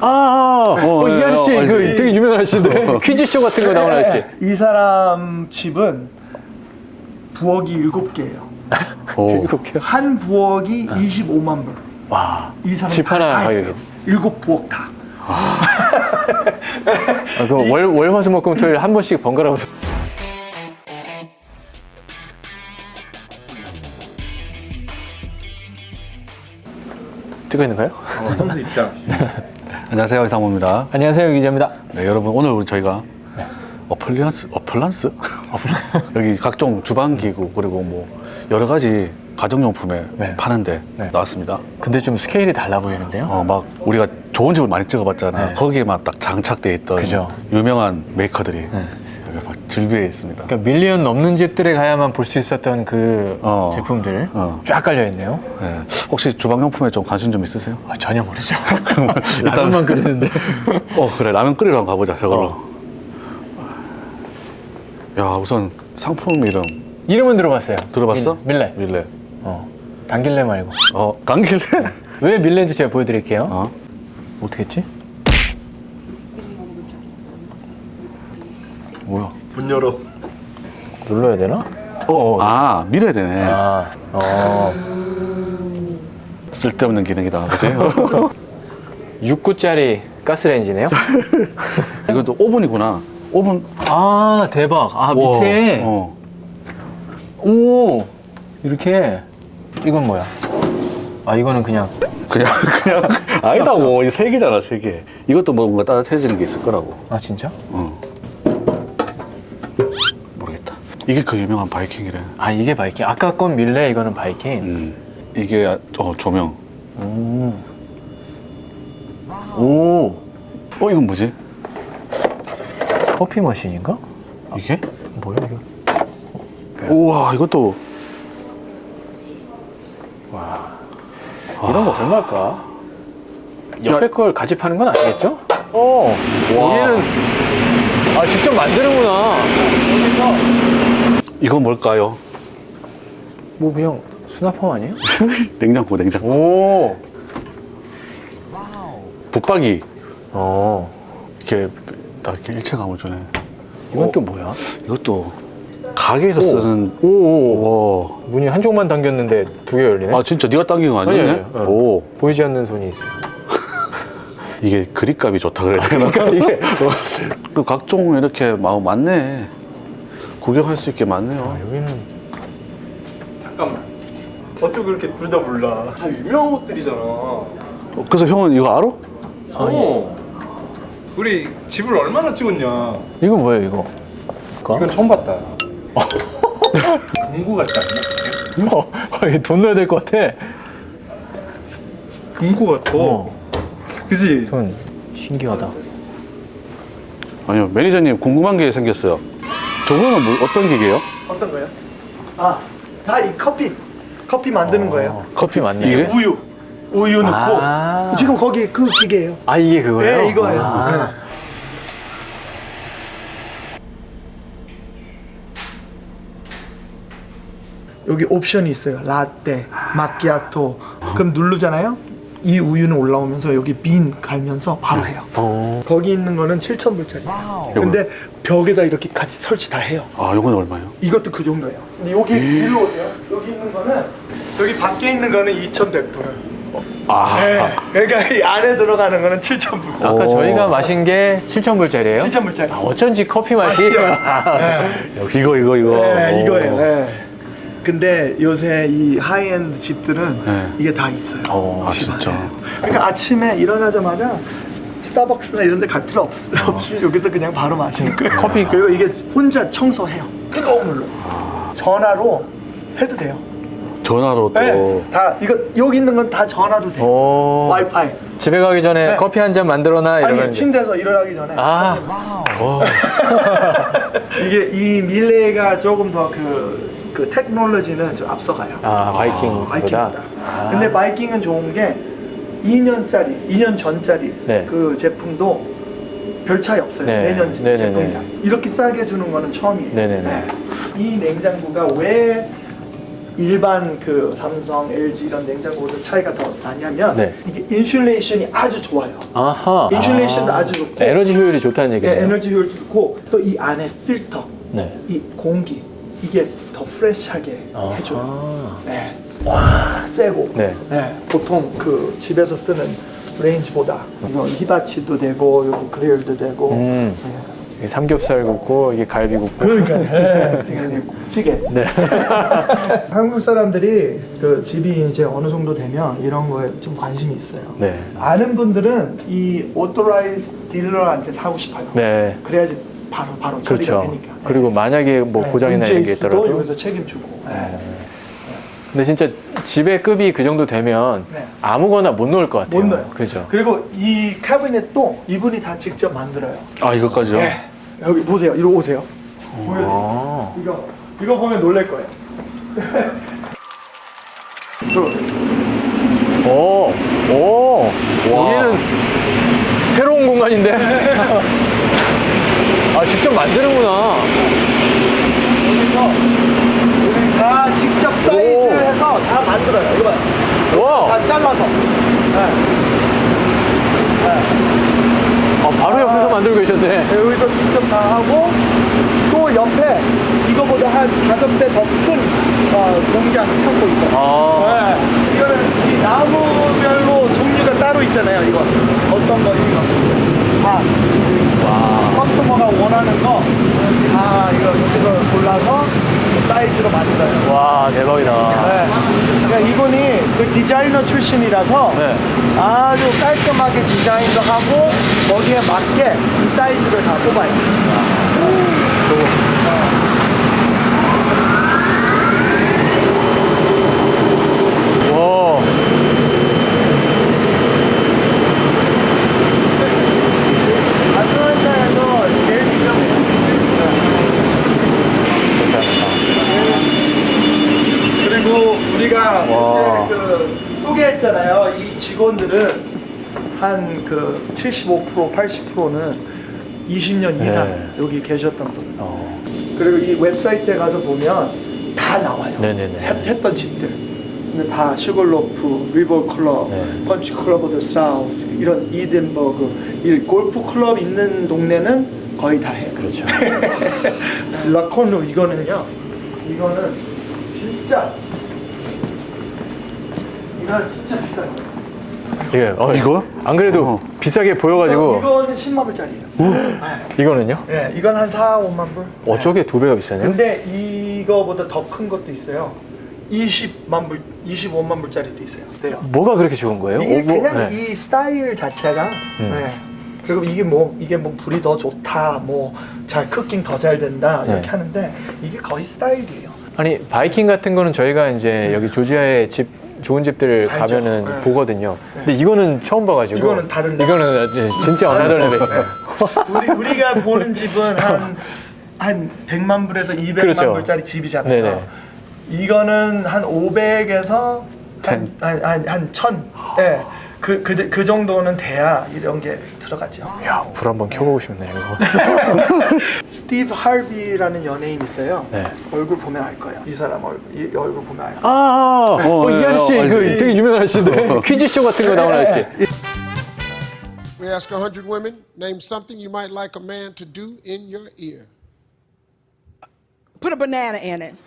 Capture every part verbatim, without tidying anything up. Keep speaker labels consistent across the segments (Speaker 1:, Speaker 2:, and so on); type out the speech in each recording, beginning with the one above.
Speaker 1: 아, 아, 어, 어, 이 아저씨,
Speaker 2: 어,
Speaker 1: 그
Speaker 2: 알지.
Speaker 1: 되게 유명한 아저씨인데. 퀴즈쇼 같은 거 나오는 아저씨.
Speaker 3: 이 사람 집은 부엌이 일곱 개예요.
Speaker 1: 일곱 개요?
Speaker 3: 한 부엌이 이십오만 불.
Speaker 1: 와.
Speaker 3: 이 사람
Speaker 1: 집
Speaker 3: 다,
Speaker 1: 하나
Speaker 3: 다
Speaker 1: 가격이.
Speaker 3: 했어요. 일곱 부엌 다.
Speaker 1: 아, 그 월, 월, 화, 수, 목, 금, 토일 한 번씩 번갈아 보죠. 찍고 있는가요?
Speaker 3: 어, 선수 입장.
Speaker 2: 안녕하세요, 이상무입니다.
Speaker 1: 안녕하세요, 기자입니다.
Speaker 2: 네, 여러분 오늘 우리 저희가
Speaker 1: 네.
Speaker 2: 어플리언스, 어플란스? 여기 각종 주방 기구 그리고 뭐 여러 가지 가정용품에
Speaker 1: 네.
Speaker 2: 파는데
Speaker 1: 네.
Speaker 2: 나왔습니다.
Speaker 1: 근데 좀 스케일이 달라 보이는데요?
Speaker 2: 어, 막 우리가 좋은 집을 많이 찍어봤잖아요.
Speaker 1: 네.
Speaker 2: 거기에만 딱 장착돼 있던
Speaker 1: 그죠.
Speaker 2: 유명한 메이커들이
Speaker 1: 네.
Speaker 2: 여기 막 즐비해 있습니다.
Speaker 1: 그러니까 밀리언 넘는 집들에 가야만 볼 수 있었던 그
Speaker 2: 어.
Speaker 1: 제품들
Speaker 2: 어.
Speaker 1: 쫙 깔려있네요.
Speaker 2: 네. 혹시 주방용품에 좀 관심 좀 있으세요?
Speaker 1: 아, 전혀 모르죠. 라면만 끓이는데.
Speaker 2: 어 그래 라면 끓이러 한번 가보자 저걸로.
Speaker 1: 어.
Speaker 2: 야 우선 상품 이름
Speaker 1: 이름은 들어봤어요.
Speaker 2: 들어봤어?
Speaker 1: 밀, 밀레.
Speaker 2: 밀레.
Speaker 1: 어. 당길레 말고.
Speaker 2: 어 당길래?
Speaker 1: 왜 밀레인지 제가 보여드릴게요.
Speaker 2: 어?
Speaker 1: 어떻게 했지? 뭐야?
Speaker 3: 문 열어.
Speaker 1: 눌러야 되나?
Speaker 2: 어, 아 밀어야 되네.
Speaker 1: 아, 어.
Speaker 2: 쓸데없는 기능이다, 그치?
Speaker 1: 육 구짜리 가스레인지네요?
Speaker 2: 이것도 오븐이구나. 오븐.
Speaker 1: 아, 대박. 아,
Speaker 2: 우와,
Speaker 1: 밑에.
Speaker 2: 어.
Speaker 1: 오! 이렇게. 이건 뭐야? 아, 이거는 그냥.
Speaker 2: 그냥 그냥 아니다 뭐 이 세 개잖아 세 개. 이것도 뭔가 따뜻해지는 게 있을 거라고.
Speaker 1: 아, 진짜?
Speaker 2: 어. 모르겠다. 이게 그 유명한 바이킹이래.
Speaker 1: 아, 이게 바이킹. 아까 건 밀레, 이거는 바이킹.
Speaker 2: 음. 이게 어 조명.
Speaker 1: 오. 오.
Speaker 2: 어 이건 뭐지?
Speaker 1: 커피 머신인가?
Speaker 2: 이게?
Speaker 1: 뭐야, 이거?
Speaker 2: 우와 이것도.
Speaker 1: 와. 이런 거 얼마일까? 옆에
Speaker 2: 야.
Speaker 1: 걸 같이 파는 건 아니겠죠? 어. 여기는. 아, 직접 만드는구나.
Speaker 2: 이건 뭘까요?
Speaker 1: 뭐, 그냥 수납함 아니에요?
Speaker 2: 냉장고 냉장고.
Speaker 1: 오.
Speaker 2: 붙박이
Speaker 1: 어.
Speaker 2: 이렇게 딱 이렇게 일체감을 주네.
Speaker 1: 이건
Speaker 2: 어,
Speaker 1: 또 뭐야?
Speaker 2: 이것도 가게에서
Speaker 1: 오.
Speaker 2: 쓰는.
Speaker 1: 오, 오.
Speaker 2: 와.
Speaker 1: 문이 한쪽만 당겼는데 두 개 열리네?
Speaker 2: 아 진짜 네가 당긴 거 아니네?
Speaker 1: 아니, 아니, 아니.
Speaker 2: 오.
Speaker 1: 보이지 않는 손이 있어요.
Speaker 2: 이게 그립감이 좋다 그래야 되나?
Speaker 1: 그러니까 이게.
Speaker 2: 그 각종 이렇게 마음 많네. 구경할 수 있게 많네요.
Speaker 1: 아, 여기는.
Speaker 3: 잠깐만. 어떻게 그렇게 둘 다 몰라? 다 유명한 것들이잖아.
Speaker 2: 어, 그래서 형은 이거 알아?
Speaker 3: 어. 우리 집을 얼마나 찍었냐?
Speaker 1: 이거 뭐예요, 이거?
Speaker 3: 이건 처음 봤다. 금고 같지 않나?
Speaker 1: 어, 이거 돈 넣어야 될 것 같아.
Speaker 3: 금고 같아.
Speaker 1: 어.
Speaker 3: 그지?
Speaker 1: 전 신기하다.
Speaker 2: 아니요 매니저님 궁금한 게 생겼어요. 저거는 뭐, 어떤 기계예요?
Speaker 3: 어떤 거요? 아, 다 이 커피. 커피 만드는 거예요.
Speaker 1: 커피 맞네.
Speaker 2: 이게?
Speaker 3: 우유. 우유 넣고.
Speaker 1: 아.
Speaker 3: 지금 거기 그 기계예요.
Speaker 1: 아, 이게 그거예요?
Speaker 3: 네, 이거예요.
Speaker 1: 아.
Speaker 3: 네. 여기 옵션이 있어요. 라떼, 마키아토. 그럼 누르잖아요. 이 우유는 올라오면서 여기 빈 갈면서 바로 해요.
Speaker 1: 어.
Speaker 3: 거기 있는 거는 칠천 불짜리. 근데 벽에다 이렇게 같이 설치 다 해요.
Speaker 2: 아 이건 얼마예요?
Speaker 3: 이것도 그 정도예요. 근데 여기 위로 오세요. 여기 있는 거는 여기 밖에 있는 거는 이천백 불.
Speaker 2: 아
Speaker 3: 네. 그러니까 이 안에 들어가는 거는 칠천 불.
Speaker 1: 아까
Speaker 2: 오.
Speaker 1: 저희가 마신 게 칠천 불짜리예요?
Speaker 3: 칠천 불짜리.
Speaker 1: 아, 어쩐지 커피 맛이.
Speaker 3: 맛있죠?
Speaker 1: 네.
Speaker 2: 이거 이거 이거.
Speaker 3: 네,
Speaker 2: 오.
Speaker 3: 이거예요. 네. 근데 요새 이 하이엔드 집들은
Speaker 2: 네.
Speaker 3: 이게 다 있어요.
Speaker 1: 어,
Speaker 2: 아
Speaker 3: 집 안에.
Speaker 2: 진짜.
Speaker 3: 그러니까 아침에 일어나자마자 스타벅스나 이런 데 갈 필요 없, 없이 여기서 그냥 바로 마시는 거예요.
Speaker 1: 커피.
Speaker 3: 그리고 이게 혼자 청소해요. 뜨거운 물로. 전화로 해도 돼요.
Speaker 2: 전화로 또.
Speaker 3: 네, 다 이거 여기 있는 건 다 전화도 돼요.
Speaker 1: 오.
Speaker 3: 와이파이.
Speaker 1: 집에 가기 전에
Speaker 3: 네.
Speaker 1: 커피 한 잔 만들어놔 이러면.
Speaker 3: 아니 침대에서 일어나기 전에.
Speaker 1: 아.
Speaker 2: 와.
Speaker 3: 이게 이 밀레가 조금 더 그 그 테크놀로지는 좀 앞서가요.
Speaker 1: 아, 바이킹보다.
Speaker 3: 바이킹보다.
Speaker 1: 아.
Speaker 3: 근데 바이킹은 좋은 게 이 년짜리, 이 년 전짜리
Speaker 1: 네.
Speaker 3: 그 제품도 별 차이 없어요.
Speaker 1: 네.
Speaker 3: 내년
Speaker 1: 네네네.
Speaker 3: 제품이랑 이렇게 싸게 주는 거는 처음이에요.
Speaker 1: 네네네.
Speaker 3: 네. 이 냉장고가 왜 일반 그 삼성, 엘지 이런 냉장고보다 차이가 더 나냐면
Speaker 1: 네.
Speaker 3: 이게 인슐레이션이 아주 좋아요.
Speaker 1: 아하.
Speaker 3: 인슐레이션도
Speaker 1: 아.
Speaker 3: 아주 좋고
Speaker 1: 에너지 효율이 좋다는
Speaker 3: 네,
Speaker 1: 얘기네요.
Speaker 3: 에너지 효율도 좋고 또 이 안에 필터,
Speaker 1: 네.
Speaker 3: 이 공기 이게 더 프레시하게
Speaker 1: 아하.
Speaker 3: 해줘요. 네. 와 세고
Speaker 1: 네.
Speaker 3: 네, 보통 그 집에서 쓰는 레인지보다 이거 히바치도 되고 여기 그릴도 되고
Speaker 1: 음.
Speaker 3: 네.
Speaker 1: 이게 삼겹살 굽고 이게 갈비 굽고.
Speaker 3: 그러니까 네. 되게 찌개.
Speaker 1: 네.
Speaker 3: 한국 사람들이 그 집이 이제 어느 정도 되면 이런 거에 좀 관심이 있어요.
Speaker 1: 네.
Speaker 3: 아는 분들은 이 오토라이즈 딜러한테 사고 싶어요.
Speaker 1: 네.
Speaker 3: 그래야지 바로 바로 처리가
Speaker 1: 그렇죠.
Speaker 3: 되니까. 네.
Speaker 1: 그리고 만약에 뭐
Speaker 3: 네,
Speaker 1: 고장이나
Speaker 3: 문제
Speaker 1: 이런 게
Speaker 3: 있어도
Speaker 1: 있더라도.
Speaker 3: 여기서 책임지고. 네.
Speaker 1: 근데 진짜 집의 급이 그 정도 되면
Speaker 3: 네.
Speaker 1: 아무거나 못 넣을 것 같아요.
Speaker 3: 못 넣어요.
Speaker 1: 그죠.
Speaker 3: 그리고 이 캐비넷도 이분이 다 직접 만들어요.
Speaker 2: 아 이것까지요?
Speaker 3: 네. 여기 보세요. 이리 오세요. 보여드릴게요.
Speaker 1: 아.
Speaker 3: 이거 이거 보면 놀랄 거예요. 들어오세요.
Speaker 1: 오, 오, 여기는 새로운 공간인데? 아, 직접 만드는구나.
Speaker 3: 여기서 우리 다 직접 사이즈해서 다 만들어요. 이거 봐요.
Speaker 1: 와,
Speaker 3: 다 잘라서. 네. 네.
Speaker 1: 아, 바로 옆에서 만들고 계셨네.
Speaker 3: 여기서 직접 다 하고 또 옆에 이거보다 한 다섯 배 더 큰 어, 공장 창고 있어요.
Speaker 1: 아.
Speaker 3: 네. 이거는 이 나무별로 종류가 따로 있잖아요. 이거 어떤 거 이거 다
Speaker 1: 와.
Speaker 3: 커스터머가 원하는 거 다 이거 여기서 골라서 사이즈로 만들어요.
Speaker 1: 와, 대박이다.
Speaker 3: 네. 그러니까 이분이 그 디자이너 출신이라서
Speaker 1: 네.
Speaker 3: 아주 깔끔하게 디자인도 하고 거기에 맞게 이 사이즈를 다 뽑아요.
Speaker 1: 와.
Speaker 3: 아틀란타에서 제일 유명해요.
Speaker 1: 감사합니다.
Speaker 3: 그리고 우리가
Speaker 1: 와.
Speaker 3: 그때 그 소개했잖아요. 이 직원들은 한 그 칠십오 퍼센트, 팔십 퍼센트는 이십 년 이상
Speaker 1: 네.
Speaker 3: 여기 계셨던 분.
Speaker 1: 어.
Speaker 3: 그리고 이 웹사이트에 가서 보면 다 나와요.
Speaker 1: 네네네.
Speaker 3: 했, 했던 집들. 근데 다 슈걸로프, 리버 클럽,
Speaker 1: 네.
Speaker 3: 컨치 클럽 오브 사우스, 이런 이덴버그, 이 골프 클럽 있는 동네는 거의 다 해요.
Speaker 1: 그렇죠.
Speaker 3: 라콘루 이거는요. 이거는 진짜 이건 진짜 비싼 거예요.
Speaker 1: 이게, 어,
Speaker 2: 이거?
Speaker 1: 안 그래도
Speaker 2: 어.
Speaker 1: 비싸게 보여가지고.
Speaker 3: 이거는 십만 불짜리예요. 네.
Speaker 1: 이거는요?
Speaker 3: 네, 이건 한 사, 오만 불.
Speaker 1: 어쩌게 두 배가 비싸네요?
Speaker 3: 근데 이거보다 더 큰 것도 있어요. 이십만 불, 이십오만 불짜리도 있어요. 돼요.
Speaker 1: 뭐가 그렇게 좋은 거예요?
Speaker 3: 이게
Speaker 1: 오, 뭐,
Speaker 3: 그냥
Speaker 1: 네.
Speaker 3: 이 스타일 자체가
Speaker 1: 음.
Speaker 3: 네. 그리고 이게 뭐 이게 뭐 불이 더 좋다, 뭐 잘 쿠킹 더 잘 된다 이렇게
Speaker 1: 네.
Speaker 3: 하는데 이게 거의 스타일이에요.
Speaker 1: 아니 바이킹 같은 거는 저희가 이제 여기 조지아에 집 좋은 집들
Speaker 3: 알죠.
Speaker 1: 가면은
Speaker 3: 네.
Speaker 1: 보거든요. 근데 이거는 처음 봐가지고
Speaker 3: 이거는 다른 레벨.
Speaker 1: 이거는 이제 진짜 어나더 레벨.
Speaker 3: 우리 우리가 보는 집은 한 한 백만 불에서 이백만
Speaker 1: 그렇죠.
Speaker 3: 불짜리 집이잖아요.
Speaker 1: 네네.
Speaker 3: 이거는 한 오백에서
Speaker 1: ten.
Speaker 3: 한한한 천. 네. 그, 그, 그 정도는 돼야 이런 게 들어가죠.
Speaker 1: 야, 불 한번 켜보고 싶네요.
Speaker 3: 스티브 할비라는 연예인 있어요.
Speaker 1: 네.
Speaker 3: 얼굴 보면 알 거예요. 이 사람 얼굴, 이 얼굴 보면 알아요.
Speaker 1: 아, 어,
Speaker 2: 어,
Speaker 1: 이
Speaker 2: 예,
Speaker 1: 아저씨
Speaker 2: 어,
Speaker 1: 그
Speaker 2: 알지.
Speaker 1: 되게 유명한 아저씨인데 퀴즈쇼 같은 거 나오는 아저씨.
Speaker 4: We ask a hundred women, name something you might like a man to do in your ear.
Speaker 5: Put a banana in it.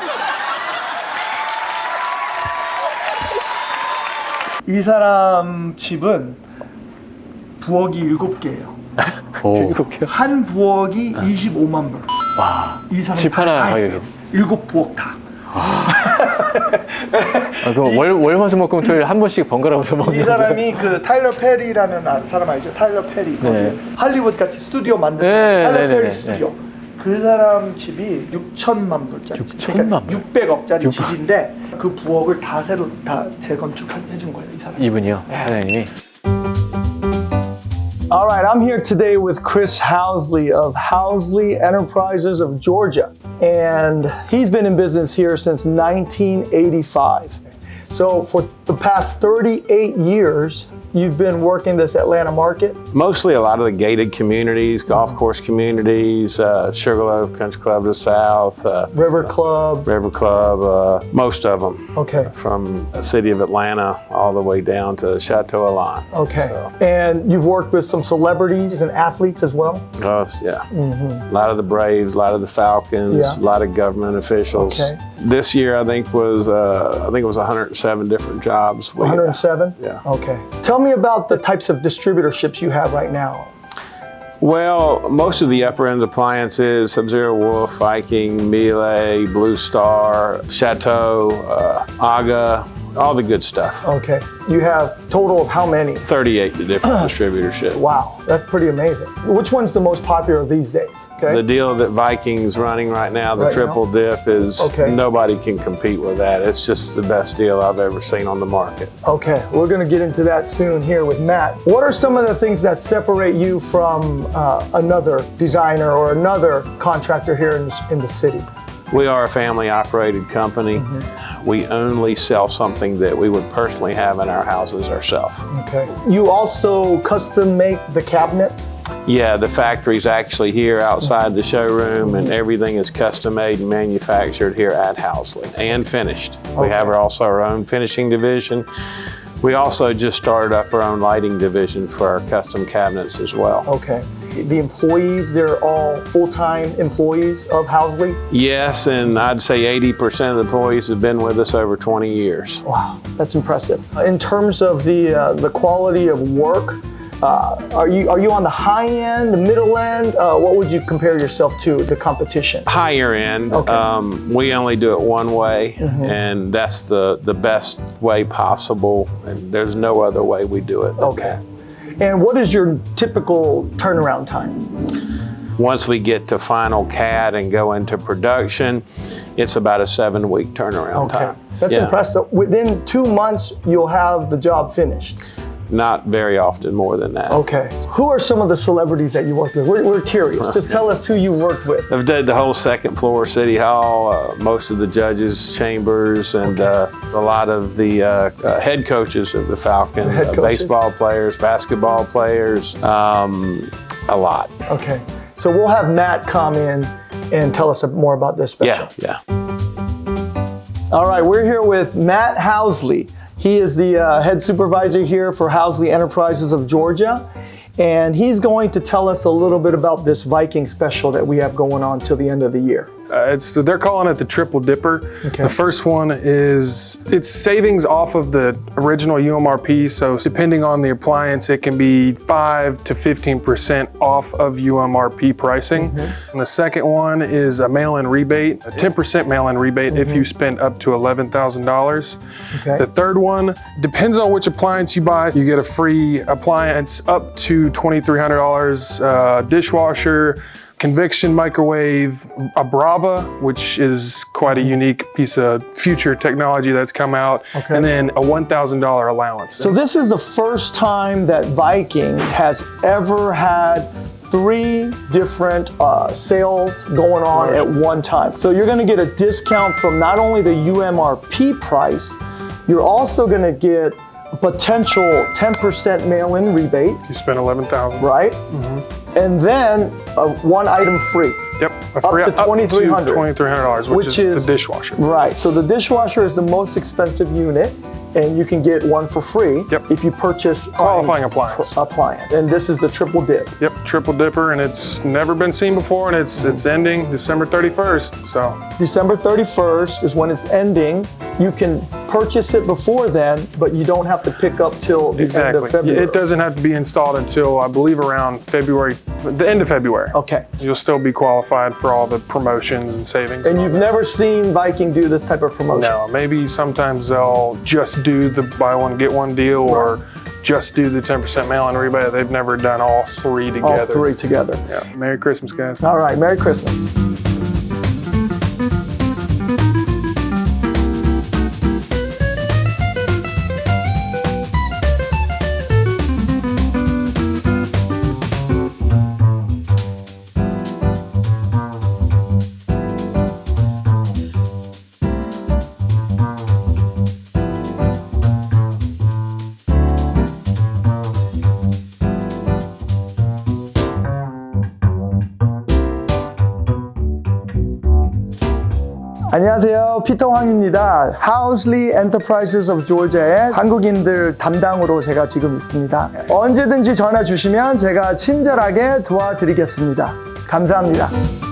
Speaker 3: 이 사람 집은 부엌이 일곱 개예요.
Speaker 2: 오.
Speaker 1: 일곱 개요?
Speaker 3: 한 부엌이 이십오만 불.
Speaker 1: 와,
Speaker 3: 이 사람
Speaker 1: 집 하나 가격이.
Speaker 3: 일곱 부엌 다.
Speaker 1: 아, 그럼 월, 월, 화, 수, 목, 금, 토일 한 번씩 번갈아서 먹는
Speaker 3: 이 사람이 그 타일러 페리라는 아- 사람 알죠? 타일러 페리. 거기
Speaker 1: 네.
Speaker 3: 할리우드 같이 스튜디오 만드는
Speaker 1: 네,
Speaker 3: 타일러
Speaker 1: 네, 네,
Speaker 3: 페리
Speaker 1: 네,
Speaker 3: 스튜디오. 그 사람 집이 육천만 불짜리 집.
Speaker 1: 육천만 불?
Speaker 3: 육백억짜리
Speaker 1: 육백.
Speaker 3: 집인데 그 부엌을 다 새로 다 재건축해 준 거예요, 이 사람.
Speaker 1: 이분이요, 사장님이.
Speaker 3: All right, I'm here today with Chris Housley of Housley Enterprises of Georgia. And he's been in business here since nineteen eighty-five. So for the past thirty-eight years, you've been working this Atlanta market?
Speaker 6: Mostly a lot of the gated communities, golf course communities, uh, Sugarloaf Country Club to the south, uh,
Speaker 3: River Club?
Speaker 6: River Club, uh, most of them.
Speaker 3: Okay.
Speaker 6: From the city of Atlanta all the way down to Chateau Alon.
Speaker 3: Okay.
Speaker 6: So,
Speaker 3: And you've worked with some celebrities and athletes as well?
Speaker 6: oh, yeah. A lot of the Braves, a lot of the Falcons,
Speaker 3: Yeah.
Speaker 6: a lot of government officials.
Speaker 3: Okay.
Speaker 6: This year, I think was uh, I think it was one hundred seven different jobs. We-
Speaker 3: one hundred seven?
Speaker 6: Yeah.
Speaker 3: Okay. Tell me about the types of distributorships you have right now.
Speaker 6: Well, most of the upper end appliances, Sub-Zero Wolf, Viking, Miele, Blue Star, Chateau, uh, Aga, all the good stuff.
Speaker 3: Okay. You have total of how many?
Speaker 6: thirty-eight different distributorships.
Speaker 3: Wow, that's pretty amazing. Which one's the most popular these days? Okay.
Speaker 6: The deal that Viking's running right now, the
Speaker 3: Right now?
Speaker 6: triple dip, is
Speaker 3: Okay.
Speaker 6: nobody can compete with that. It's just the best deal I've ever seen on the market.
Speaker 3: Okay, we're going to get into that soon here with Matt. What are some of the things that separate you from uh, another designer or another contractor here in, in the city?
Speaker 6: We are a family operated company. We only sell something that we would personally have in our houses ourselves.
Speaker 3: Okay. You also custom make the cabinets?
Speaker 6: Yeah, the factory's actually here outside the showroom, and everything is custom made and manufactured here at Housley and finished. We have our, also our own finishing division. We also just started up our own lighting division for our custom cabinets as well.
Speaker 3: Okay. The employees, they're all full-time employees of Housley?
Speaker 6: Yes, and I'd say eighty percent of the employees have been with us over twenty years.
Speaker 3: Wow, that's impressive. In terms of the uh, the quality of work, uh, are you are you on the high end, the middle end? Uh, what would you compare yourself to the competition?
Speaker 6: Higher end,
Speaker 3: Okay.
Speaker 6: um, we only do it one way, and that's the, the best way possible, and there's no other way we do it. than
Speaker 3: Okay.
Speaker 6: that.
Speaker 3: And what is your typical turnaround time?
Speaker 6: Once we get to final C A D and go into production, it's about a seven week turnaround
Speaker 3: Okay,
Speaker 6: time.
Speaker 3: that's
Speaker 6: Yeah.
Speaker 3: impressive. Within two months, you'll have the job finished.
Speaker 6: Not very often more than that.
Speaker 3: Okay. Who are some of the celebrities that you worked with? We're, we're curious. Just tell us who you worked with.
Speaker 6: I've did the whole second floor of City Hall, uh, most of the judges' chambers, and uh, a lot of the uh, uh, head coaches of the Falcons,
Speaker 3: head
Speaker 6: uh,
Speaker 3: coaches?
Speaker 6: baseball players, basketball players, um, a lot.
Speaker 3: Okay. So we'll have Matt come in and tell us more about this special.
Speaker 6: Yeah, yeah.
Speaker 3: All right, we're here with Matt Housley. He is the uh, head supervisor here for Housley Enterprises of Georgia. And he's going to tell us a little bit about this Viking special that we have going on till the end of the year.
Speaker 7: Uh, it's so they're calling it the Triple Dipper.
Speaker 3: Okay.
Speaker 7: The first one is it's savings off of the original U M R P. So depending on the appliance, it can be five to fifteen percent off of U M R P pricing.
Speaker 3: Mm-hmm.
Speaker 7: And the second one is a mail-in rebate, a ten percent mail-in rebate
Speaker 3: Mm-hmm.
Speaker 7: if you spend up to eleven thousand dollars.
Speaker 3: Okay.
Speaker 7: The third one depends on which appliance you buy. You get a free appliance up to twenty-three hundred dollars, uh, dishwasher, convection microwave, a Brava, which is quite a unique piece of future technology that's come out,
Speaker 3: Okay.
Speaker 7: and then a one thousand dollars allowance.
Speaker 3: So this is the first time that Viking has ever had three different uh, sales going on at one time. So you're gonna get a discount from not only the U M R P price, you're also gonna get a potential ten percent mail-in rebate,
Speaker 7: you spend eleven thousand
Speaker 3: right? And then uh, one item free.
Speaker 7: Yep, a free,
Speaker 3: to twenty-three hundred dollars.
Speaker 7: twenty-three hundred dollars, which,
Speaker 3: Which
Speaker 7: is,
Speaker 3: is-
Speaker 7: the dishwasher.
Speaker 3: Right, so the dishwasher is the most expensive unit, and you can get one for free
Speaker 7: Yep.
Speaker 3: if you purchase
Speaker 7: Qualifying
Speaker 3: prime
Speaker 7: appliance.
Speaker 3: pr- appliance. And this is the triple dip.
Speaker 7: Yep, Triple Dipper, and it's never been seen before, and it's it's ending December thirty-first. So
Speaker 3: December thirty-first is when it's ending. You can purchase it before then, but you don't have to pick up till the end
Speaker 7: exactly,
Speaker 3: of February.
Speaker 7: it doesn't have to be installed until I believe around February, the end of February.
Speaker 3: Okay.
Speaker 7: You'll still be qualified for all the promotions and savings.
Speaker 3: And you've never seen Viking do this type of promotion?
Speaker 7: No, maybe sometimes they'll just do the buy one, get one deal, or just do the ten percent mail-in rebate. They've never done all three together.
Speaker 3: All three together.
Speaker 7: Yeah. Merry Christmas, guys.
Speaker 3: All right, Merry Christmas. 안녕하세요. 피터 황입니다. Housley Enterprises of Georgia의 한국인들 담당으로 제가 지금 있습니다. 언제든지 전화 주시면 제가 친절하게 도와드리겠습니다. 감사합니다.